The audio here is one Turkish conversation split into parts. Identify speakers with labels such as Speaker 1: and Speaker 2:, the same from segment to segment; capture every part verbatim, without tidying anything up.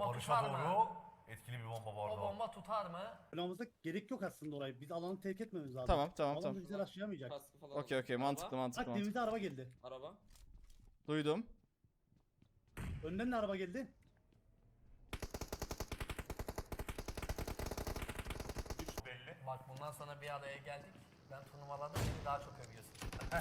Speaker 1: bomba
Speaker 2: Barış'a
Speaker 1: tutar mı?
Speaker 2: doğru etkili bir bomba bu
Speaker 1: O
Speaker 2: arada.
Speaker 1: bomba tutar mı?
Speaker 3: Planımızda gerek yok aslında orayı. Biz alanı terk etmemiz lazım.
Speaker 4: Tamam, tamam,
Speaker 3: Alan
Speaker 4: tamam.
Speaker 3: bizi aşayamayacak.
Speaker 5: Kaskı falan
Speaker 4: Okey
Speaker 5: aldım.
Speaker 4: okey,
Speaker 5: Araba,
Speaker 4: mantıklı mantıklı
Speaker 3: Bak
Speaker 4: mantıklı.
Speaker 3: dibimize araba geldi.
Speaker 5: Araba.
Speaker 4: Duydum.
Speaker 3: Önden de araba geldi.
Speaker 2: Üç belli.
Speaker 1: Bak bundan sonra bir araya geldik. Ben turnuvalarda beni daha çok övüyorsun.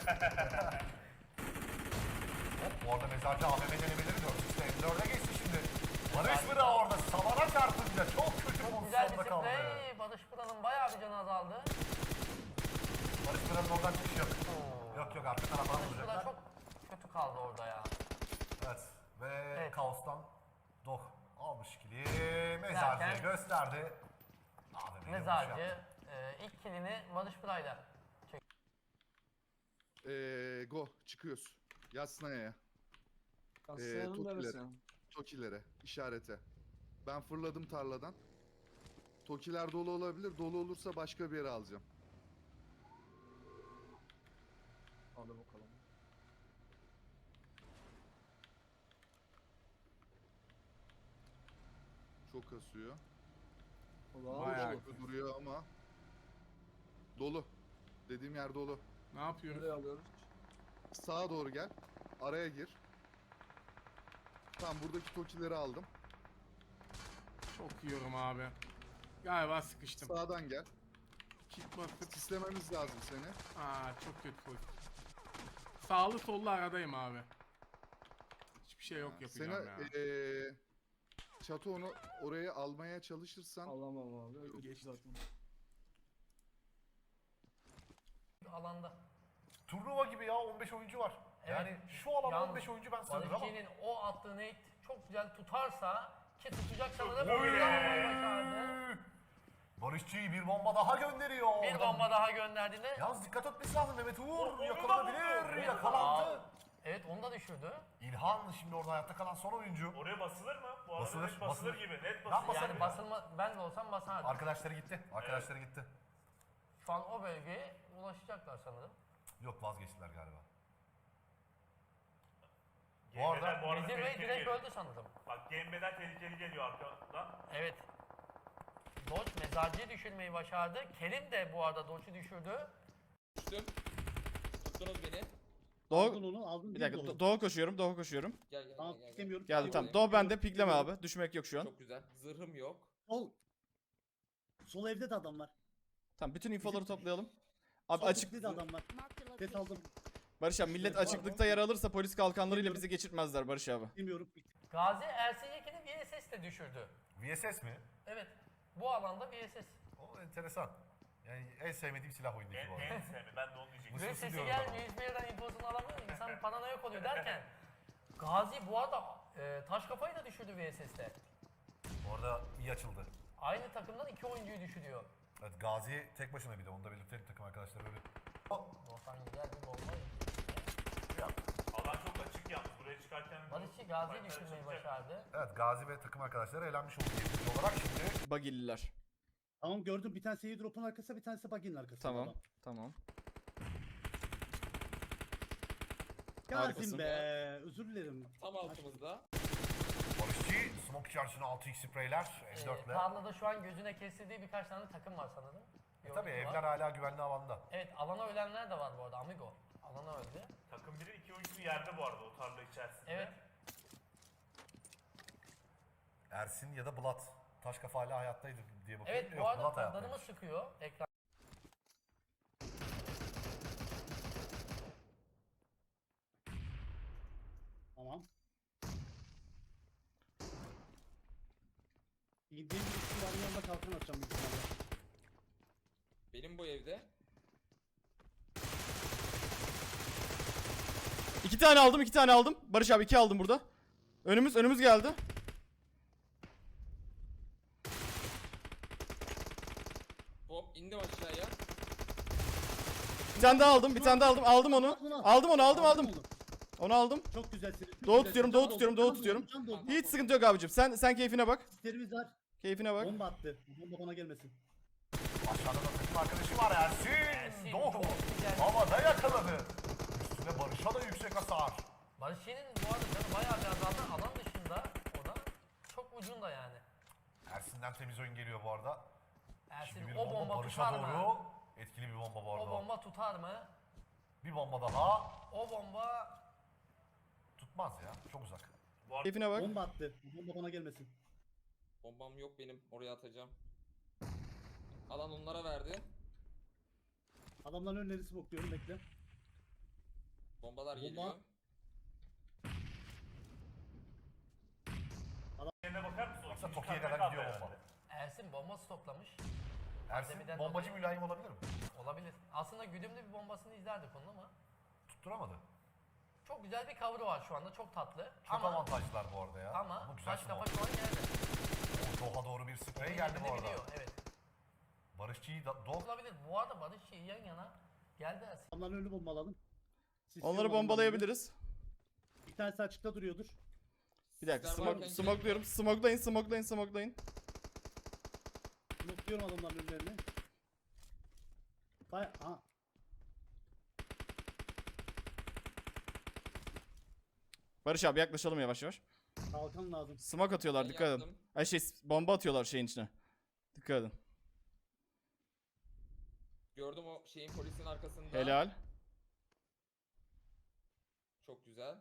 Speaker 2: Hop, bu arada mezarcı A V M denemeleri dört x'te M dört'e geçti şimdi. Barış Bıra orada savana çarpınca çok kötü
Speaker 1: Çok güzel bir
Speaker 2: pozisyonda kaldı.
Speaker 1: sprey. Barış Pıra'nın bayağı bir canı azaldı.
Speaker 2: Barış Bıra'nın oradan çıkış yok. Yok yok, arka taraftan
Speaker 1: Barış Pıra
Speaker 2: vuracaklar.
Speaker 1: çok kötü kaldı orada ya.
Speaker 2: Evet ve
Speaker 1: Evet.
Speaker 2: kaostan Doh almış kili. Mezarcı'ya
Speaker 1: Derken-
Speaker 2: gösterdi. A V M'ye vuruş
Speaker 1: Mezarcı
Speaker 2: yaptı.
Speaker 1: e, ilk kilini Barış Pıra'yla çekti.
Speaker 6: Eee go çıkıyoruz. Yasnaya'ya.
Speaker 7: Kastayanın
Speaker 6: Tokilere.
Speaker 7: neresi?
Speaker 6: Tokilere işarete. Ben fırladım tarladan. Tokiler dolu olabilir. Dolu olursa başka bir yere alacağım.
Speaker 7: Hadi bakalım.
Speaker 6: Çok kasıyor.
Speaker 7: Ulan
Speaker 8: Bayağı.
Speaker 7: dolu.
Speaker 6: Çok duruyor ama. Dolu. Dediğim yer dolu.
Speaker 8: Ne yapıyoruz?
Speaker 7: Nereye alıyoruz?
Speaker 6: Sağa doğru gel. Araya gir. Tamam, buradaki tokileri aldım.
Speaker 8: Çok yiyorum abi. Galiba sıkıştım.
Speaker 6: Sağdan gel.
Speaker 8: Kit basıp.
Speaker 6: Sislememiz lazım seni.
Speaker 8: Aa, çok kötü pozisyon. Sağlı sollu aradayım abi. Hiçbir şey yok yapacağım ya.
Speaker 6: Seni eee çatı onu oraya almaya çalışırsan
Speaker 7: Alamam abi. Öyle
Speaker 8: Geçti.
Speaker 7: zaten.
Speaker 1: Alanda.
Speaker 2: Turnuva gibi ya, on beş oyuncu var.
Speaker 1: Evet.
Speaker 2: Yani şu alanda
Speaker 1: Yalnız
Speaker 2: on beş oyuncu ben sığdır ama.
Speaker 1: Barışçı'nın o attığı nade çok güzel tutarsa ki tutacak sanırım.
Speaker 2: Oy!
Speaker 1: Yapmayı başardı.
Speaker 2: Barışçı'yı bir bomba daha gönderiyor.
Speaker 1: Bir
Speaker 2: Oradan-
Speaker 1: bomba daha gönderdiğinde.
Speaker 2: Yalnız dikkat etmesi lazım Mehmet Uğur.
Speaker 1: Onu da
Speaker 2: Yakalanabilir.
Speaker 1: vurdu.
Speaker 2: Yakalandı.
Speaker 1: Aa, Evet onu da düşürdü.
Speaker 2: İlhan şimdi orada hayatta kalan son oyuncu.
Speaker 9: Oraya basılır mı? Bu arada
Speaker 2: Basılır,
Speaker 9: net basılır,
Speaker 2: basılır.
Speaker 9: gibi. Net
Speaker 2: Ben
Speaker 9: basılır.
Speaker 2: basarım
Speaker 1: Yani
Speaker 2: ya.
Speaker 1: basılma ben de olsam basardım.
Speaker 2: Arkadaşları gitti. Arkadaşları gitti.
Speaker 1: Şu an o bölgeye ulaşacaklar sanırım.
Speaker 2: Yok, vazgeçtiler galiba. Bu
Speaker 9: G M'den
Speaker 2: arada
Speaker 9: bu arada
Speaker 1: Vezir Bey
Speaker 9: tehlikeli
Speaker 1: direkt
Speaker 9: geliyor.
Speaker 1: öldü sanırım.
Speaker 9: Bak G M'den tehlikeli geliyor arkadan.
Speaker 1: Evet. Dodge mezarcıyı düşürmeyi başardı. Kerim de bu arada Dodge'u düşürdü.
Speaker 5: Düştüm. Tuttunuz beni.
Speaker 3: Aldın
Speaker 4: Doğu.
Speaker 3: onu aldın.
Speaker 4: Bir
Speaker 3: değil
Speaker 4: dakika.
Speaker 3: dolu.
Speaker 4: Do- Doğu koşuyorum. Doğu koşuyorum.
Speaker 5: Gel gel
Speaker 3: Tamam
Speaker 5: gel. gel, gel.
Speaker 3: istemiyorum.
Speaker 4: Geldim
Speaker 5: Yok,
Speaker 4: tamam.
Speaker 5: yok,
Speaker 4: Doğu
Speaker 5: yok.
Speaker 4: bende. Pikleme abi. Düşmek yok şu an.
Speaker 5: Çok güzel. Zırhım yok.
Speaker 3: Sol. Sol evde de adam var.
Speaker 4: Tamam, bütün infoları toplayalım. Abi
Speaker 3: Sol
Speaker 4: açık.
Speaker 3: evde de adam var. Ses aldım.
Speaker 4: Barış abi, millet
Speaker 3: Var, var.
Speaker 4: açıklıkta yer alırsa polis kalkanlarıyla bizi geçirtmezler Barış abi.
Speaker 3: Bilmiyorum.
Speaker 1: Gazi Ersin Yekin'i V S S de düşürdü.
Speaker 2: V S S mi?
Speaker 1: Evet. Bu alanda V S S.
Speaker 2: O enteresan. Yani en sevmediğim silah oyundaki
Speaker 9: En,
Speaker 2: bu arada.
Speaker 9: en sevmi. Ben de onu diyecektim.
Speaker 2: Mısır-
Speaker 1: Ve sesi
Speaker 2: diyorum
Speaker 1: gelmiyor,
Speaker 2: ama.
Speaker 1: hiçbir yerden infosunu alamıyor. İnsan paranoyak oluyor derken. Gazi bu arada e, taş kafayı da düşürdü V S S'te.
Speaker 2: Orada iyi açıldı.
Speaker 1: Aynı takımdan iki oyuncuyu düşürüyor.
Speaker 2: Evet, Gazi tek başına bir de. Onu da belirtelim, takım arkadaşları böyle.
Speaker 1: Doğukan güzel bir bomba.
Speaker 9: Alan çok açık yalnız. Buraya çıkarken...
Speaker 1: Barışçı Gazi'yi
Speaker 9: Fight'lar
Speaker 1: düşürmeyi
Speaker 9: çıkacak.
Speaker 1: başardı.
Speaker 2: Evet, Gazi ve takım arkadaşları eğlenmiş oldu diyebiliriz olarak şimdi.
Speaker 4: Bagilliler.
Speaker 3: Tamam gördüm. Bir tanesi drop'un arkasında, bir tanesi buggy'nin arkasında.
Speaker 4: Tamam.
Speaker 3: adam.
Speaker 4: Tamam.
Speaker 3: Gazim
Speaker 4: Harikasın.
Speaker 3: be. Özür dilerim.
Speaker 5: Tam altımızda.
Speaker 2: Barışçı, smoke içerisine altı x spreyler,
Speaker 1: Ee,
Speaker 2: M dört ile.
Speaker 1: tarlada şu an gözüne kestirdiği birkaç tane takım var sanırım. Bir
Speaker 2: E tabii
Speaker 1: oyuncu var.
Speaker 2: evler hala güvenli alanda.
Speaker 1: Evet alana ölenler de var bu arada Amigo. Alana öldü.
Speaker 9: Takım biri iki oyuncu yerde bu arada o tarla içerisinde.
Speaker 1: Evet.
Speaker 2: Ersin ya da Bulat. Taş kafa hala hayattaydı diye bakıyorum.
Speaker 1: Evet bu
Speaker 2: Yok,
Speaker 1: arada
Speaker 2: Bulat
Speaker 1: kodlarımız
Speaker 2: hayattaymış.
Speaker 1: çıkıyor ekran.
Speaker 3: Tamam. Gideyim bir üstü yanında kalkan atacağım büyük ihtimalle.
Speaker 5: Benim bu evde.
Speaker 4: İki tane aldım, iki tane aldım. Barış abi iki aldım burada. Önümüz, önümüz geldi.
Speaker 5: Hop indim aşağıya.
Speaker 4: Bir tane daha aldım, bir tane daha aldım. Aldım onu. Aldım onu, aldım aldım.
Speaker 3: onu.
Speaker 4: Onu aldım.
Speaker 3: Çok güzelsin. çok
Speaker 4: Doğu
Speaker 3: güzelsin.
Speaker 4: tutuyorum,
Speaker 3: Can
Speaker 4: doğu
Speaker 3: doldu,
Speaker 4: tutuyorum,
Speaker 3: can
Speaker 4: doğu
Speaker 3: doldu,
Speaker 4: tutuyorum.
Speaker 3: can doldu.
Speaker 4: Hiç sıkıntı yok abicim. Sen sen keyfine bak.
Speaker 3: Sislerimiz var.
Speaker 4: Keyfine bak.
Speaker 3: Bomba attı. Bomba bana gelmesin.
Speaker 2: Aşağıda da takım arkadaşı var Ersin.
Speaker 1: Ersin,
Speaker 2: Doğu.
Speaker 1: çok güzel.
Speaker 2: Havada yakaladı. Üstüne Barış'a da yüksek hasar.
Speaker 1: Barışçı'nın bu arada canı bayağı bir azaldı. Alan dışında o da çok ucuz ucunda yani.
Speaker 2: Ersin'den temiz oyun geliyor bu arada.
Speaker 1: Ersin
Speaker 2: Şimdi bir
Speaker 1: o
Speaker 2: bomba,
Speaker 1: bomba
Speaker 2: Barış'a
Speaker 1: tutar mı?
Speaker 2: doğru. Etkili bir bomba bu arada.
Speaker 1: O bomba tutar mı?
Speaker 2: Bir bomba daha.
Speaker 1: O bomba
Speaker 2: Tutmaz ya. Çok uzak.
Speaker 4: Keyfine bak.
Speaker 3: Bomba attı. Bu bomba bana gelmesin.
Speaker 5: Bombam yok benim. Oraya atacağım. Alan onlara verdi.
Speaker 3: Adamların önleri smokluyorum bekle.
Speaker 5: Bombalar
Speaker 3: Bomba-
Speaker 5: geliyor.
Speaker 9: Yerine bakar mısın? O
Speaker 2: Baksana
Speaker 9: ikinci
Speaker 2: Toki'ye
Speaker 9: katta
Speaker 2: kadar
Speaker 9: kaldı
Speaker 2: gidiyor
Speaker 9: herhalde.
Speaker 2: bomba.
Speaker 1: Ersin bomba stoklamış.
Speaker 2: Ersin
Speaker 1: Pandemiden
Speaker 2: bombacı
Speaker 1: dolayı-
Speaker 2: mülayim olabilir mi?
Speaker 1: Olabilir. Aslında güdümlü bir bombasını izlerdik onun ama
Speaker 2: Tutturamadı.
Speaker 1: çok güzel bir cover'ı var şu anda. Çok tatlı.
Speaker 2: Çok
Speaker 1: ama
Speaker 2: avantajlılar bu arada ya.
Speaker 1: ama
Speaker 2: güzel
Speaker 1: taş kafa
Speaker 2: smoke.
Speaker 1: şu an geldi.
Speaker 2: O Doha doğru bir sprey
Speaker 1: Oyun
Speaker 2: geldi bu
Speaker 1: yerini
Speaker 2: arada.
Speaker 1: biliyor, evet.
Speaker 2: Barışçı'yı da Doh
Speaker 1: Olabilir. Bu arada Barışçı yan yana geldi Ersin.
Speaker 3: Adamların önünü bombaladım. Sisliyorum
Speaker 4: Onları
Speaker 3: adamların
Speaker 4: bombalayabiliriz.
Speaker 3: önünü. Bir tanesi açıkta duruyordur.
Speaker 4: Bir dakika
Speaker 5: Sizler
Speaker 4: smoke,
Speaker 5: varken
Speaker 4: smokluyorum. Smoklayın, smoklayın, smoklayın.
Speaker 3: Smokluyorum adamların önlerini. Baya... Aha.
Speaker 4: Barış abi yaklaşalım yavaş yavaş.
Speaker 3: Kalkan lazım.
Speaker 4: Smoke atıyorlar,
Speaker 5: Ben
Speaker 4: dikkat edin.
Speaker 5: yaptım.
Speaker 4: Ay şey bomba atıyorlar şeyin içine. Dikkat edin.
Speaker 5: Gördüm o şeyin polisin arkasında.
Speaker 4: Helal.
Speaker 5: Çok güzel.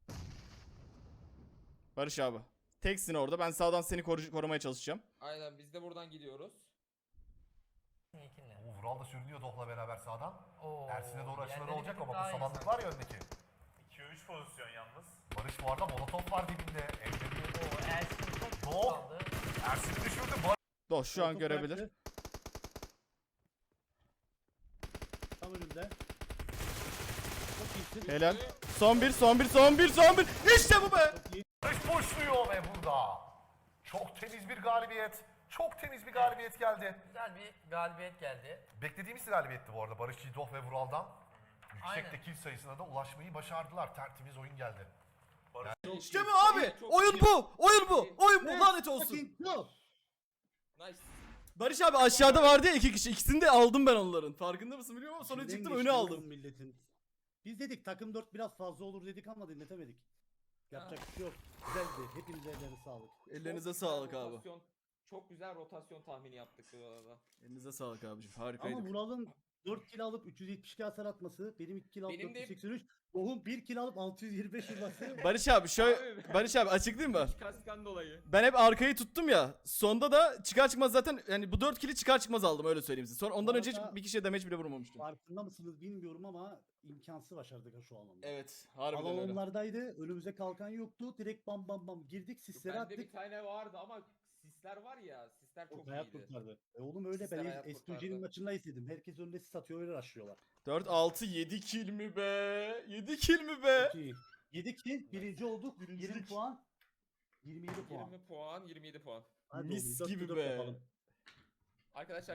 Speaker 4: Barış abi. Teksin orada. Ben sağdan seni koru- korumaya çalışacağım.
Speaker 5: Aynen biz de buradan gidiyoruz.
Speaker 1: İlkinle.
Speaker 2: O Vural da sürünüyor Doh'la beraber sağdan.
Speaker 1: Oo,
Speaker 2: Ersin'e doğru açıları
Speaker 1: yerleri
Speaker 2: olacak
Speaker 1: bir tık
Speaker 2: ama
Speaker 1: daha
Speaker 2: bu
Speaker 1: iyi
Speaker 2: samanlık
Speaker 1: sanki.
Speaker 2: var ya öndeki.
Speaker 9: ikiye üç pozisyon yalnız.
Speaker 2: Barış bu arada molotof var dibinde. Elde bir
Speaker 1: Oo, Ersin çok
Speaker 2: Doğu.
Speaker 1: kaldı.
Speaker 2: Ersin'i düşürdü. Barış
Speaker 4: Doh şu an
Speaker 3: Koltuk
Speaker 4: görebilir.
Speaker 3: bıraktı. Tam önümde. Çok iyisin.
Speaker 4: Helal. Son bir, son bir, son bir, son bir. İşte bu be.
Speaker 3: Çok iyi.
Speaker 2: boşluyor ve burada. Çok temiz bir galibiyet. Çok temiz bir galibiyet geldi.
Speaker 1: Güzel bir galibiyet geldi.
Speaker 2: Beklediğimiz galibiyetti bu arada. Barış Doh ve Vural'dan. Yüksek
Speaker 1: Aynen.
Speaker 2: de kill sayısına da ulaşmayı başardılar. Tertemiz oyun geldi.
Speaker 4: İşte bu abi. Oyun bu. Oyun bu. Oyun bu. Lanet olsun.
Speaker 3: Fucking go.
Speaker 5: Nice.
Speaker 4: Barış abi aşağıda vardı ya iki kişi. İkisini de aldım ben onların. Farkında mısın bilmiyorum ama sonra
Speaker 3: İçinden
Speaker 4: çıktım
Speaker 3: geçti
Speaker 4: önü
Speaker 3: oğlum
Speaker 4: aldım.
Speaker 3: Milletin. Biz dedik takım dört biraz fazla olur dedik ama dinletemedik. Yapacak bir şey yok. Güzeldi. Hepinize ellerine sağlık.
Speaker 4: Ellerinize
Speaker 5: Çok güzel
Speaker 4: sağlık abi.
Speaker 5: rotasyon- Çok güzel rotasyon tahmini yaptık bu arada.
Speaker 4: Elinize sağlık abicim.
Speaker 3: Ama
Speaker 4: Harikaydık.
Speaker 3: Vural'ın dört kill alıp üç yüz yetmiş iki hasar atması, benim iki kill alıp
Speaker 5: Benim
Speaker 3: dört
Speaker 5: de-
Speaker 3: yüz seksen üç, Doğum bir kill alıp altı yüz yirmi beş vurması.
Speaker 4: Barış abi şöyle
Speaker 5: Abi.
Speaker 4: Barış abi açıklayayım mı?
Speaker 5: Kaskan dolayı.
Speaker 4: Ben hep arkayı tuttum ya. Sonda da çıkar çıkmaz zaten yani bu dört kili çıkar çıkmaz aldım öyle söyleyeyim size. Sonra ondan
Speaker 3: Bu
Speaker 4: önce hiç
Speaker 3: arada-
Speaker 4: bir kişiye damage bile vurmamıştım.
Speaker 3: Farkında mısınız bilmiyorum ama imkansız başardık ha şu alanda.
Speaker 4: Evet,
Speaker 3: Alan
Speaker 4: harbiden öyle.
Speaker 3: onlardaydı. Önümüze kalkan yoktu. Direkt bam bam bam girdik. Sislere
Speaker 5: Bende
Speaker 3: attık.
Speaker 5: bir tane vardı ama sisler var ya, sisler çok
Speaker 3: O hayat
Speaker 5: iyiydi.
Speaker 3: kurtardı. E oğlum öyle
Speaker 5: Sisler
Speaker 3: ben
Speaker 5: hayat
Speaker 3: S G C'nin
Speaker 5: kurtardı.
Speaker 3: maçında izledim. Herkes önüne sis atıyor öyle rushlıyorlar.
Speaker 4: dört altı yedi kill mi be? yedi kill mi be?
Speaker 3: Çok iyi. yedi kill birinci olduk. yirmi
Speaker 4: Birincilik.
Speaker 3: puan. yirmi yedi puan.
Speaker 5: yirmi puan, yirmi yedi puan.
Speaker 3: Hadi
Speaker 4: Mis
Speaker 3: oğlum, dörtte
Speaker 4: gibi
Speaker 3: dört
Speaker 4: be.
Speaker 3: yapalım.
Speaker 5: Arkadaşlar